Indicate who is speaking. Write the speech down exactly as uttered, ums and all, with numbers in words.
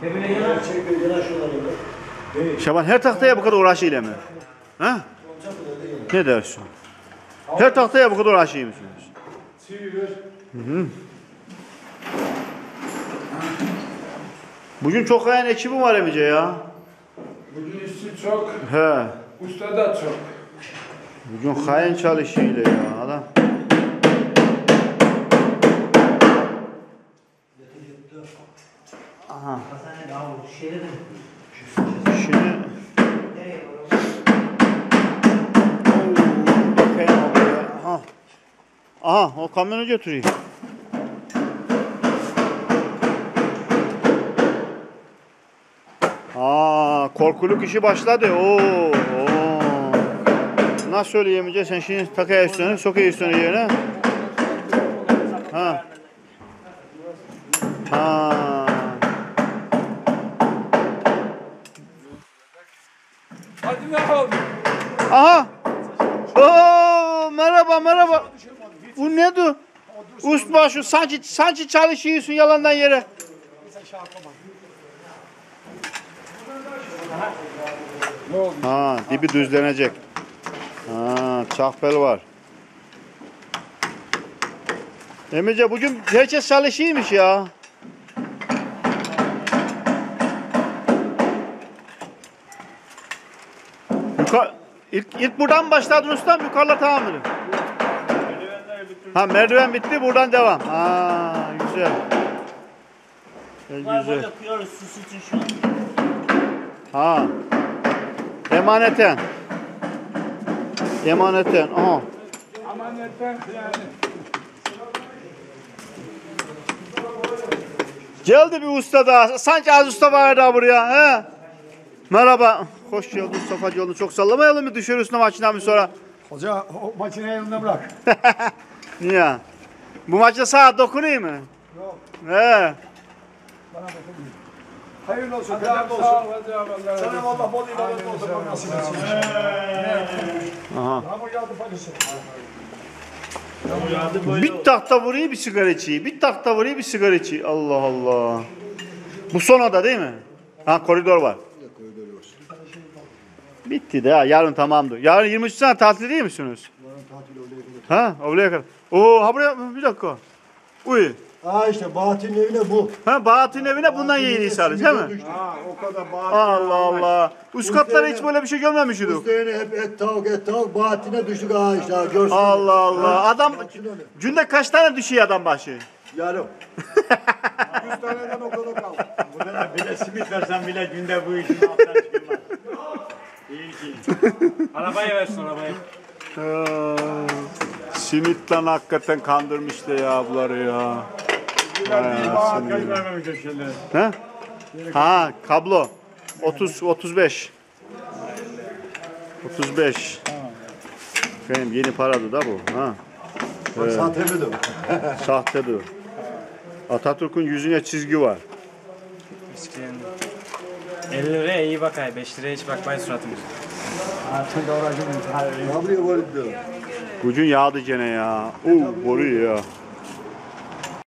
Speaker 1: Şaban her tahtaya bu kadar uğraşıyla mı? Ha? Ne dersin? Her tahtaya bu kadar uğraşıyor musunuz? Hı hı. Bugün çok kayan ekibi var Emice ya.
Speaker 2: Bugün işçi çok.
Speaker 1: He.
Speaker 2: Usta da çok.
Speaker 1: Bugün kayan çalışıyla ya adam. Aha. Şimdi bakayım abi. Aha. Aha o kamyonu götürüyor. Aa, korkuluk işi başladı. Oo, oo. Nasıl söyleyemeyeceksin? Sen şimdi takaya üstüne, sokaya üstüne yerine. Ha. Ha.
Speaker 2: Hadi ne oldu?
Speaker 1: Aha. Oo, merhaba merhaba. Bu ne du? Ustabaşı sanki sanki çalışıyorsun yalandan yere.
Speaker 2: Ne oldu?
Speaker 1: Ha, dibi düzlenecek. Ha, çakbel var. Emice bugün herkes çalışıyormuş ya. Yukarı, ilk, ilk buradan mı başladın ustam? Yukarıda tamam mı? Ha, merdiven bitti, buradan devam. Ha, güzel. Güzel. güzel. Ha. Emaneten. Emaneten. Aha.
Speaker 2: Amanetten yani.
Speaker 1: Geldi bir usta daha. Sanki az usta var daha buraya. He. Merhaba. Hoş geldin Mustafa yolunu çok sallamayalım mı? Düşer üstüne makinamı sonra.
Speaker 3: Hoca o makineyi yanında bırak.
Speaker 1: Niye? Bu maçta saat dokunuyor mu?
Speaker 3: Yok.
Speaker 1: He.
Speaker 3: Bana dokunmuyor. Hayırlı olsun. Hayırlı
Speaker 2: Sağ ol
Speaker 3: olsun.
Speaker 2: hadi Allah.
Speaker 3: Sana Allah bol ibadet olsun. Bak nasip etsin.
Speaker 1: Aha.
Speaker 3: Yağmur yağdı paçası.
Speaker 1: Bir tahta vuruyor bir sigara içiyor. Bir tahta vuruyor bir sigara içiyor. Allah Allah. Bu son oda değil mi? Ha koridor var. Bitti de ha. Yarın tamamdır. Yarın yirmi üç sene tatil değil misiniz?
Speaker 3: Yarın tatil oraya kadar.
Speaker 1: Ha oraya kadar. Oo ha buraya bir dakika. Uy.
Speaker 3: Aa işte Bahattin'in evine bu.
Speaker 1: Ha Bahattin evine bundan yeni sarız değil mi?
Speaker 3: Ha o kadar Bahattin.
Speaker 1: Allah Allah. Üst katlara hiç böyle bir şey görmemiştik.
Speaker 3: Üstlerine hep et tavuk et tavuk Bahattin'e düştük ha işte ha, görsün.
Speaker 1: Allah Allah. Adam
Speaker 3: Görsün onu.
Speaker 1: günde kaç tane düşüyor adam başı?
Speaker 3: Yarım. Yüz taneden o kadar kaldı.
Speaker 4: Burada bile simit versen bile günde bu işin altından çıkılmaz. İyi ki. Arabayı versin arabayı.
Speaker 1: Simitten hakikaten kandırmıştı ya bunları ya.
Speaker 4: Bağat kaçırmamış o şeyleri.
Speaker 1: He? Ha kablo. otuz otuz beş. otuz beş. Benim yeni paradı da bu. Ha.
Speaker 3: Bak sahte mi de?
Speaker 1: Sahtedir. Atatürk'ün yüzüne çizgi var.
Speaker 5: elli liraya iyi bakay, beş liraya hiç bakmayın suratımız.
Speaker 3: Ne yapıyor böyle diyor.
Speaker 1: Bugün yağdı gene ya. Oo boru ya.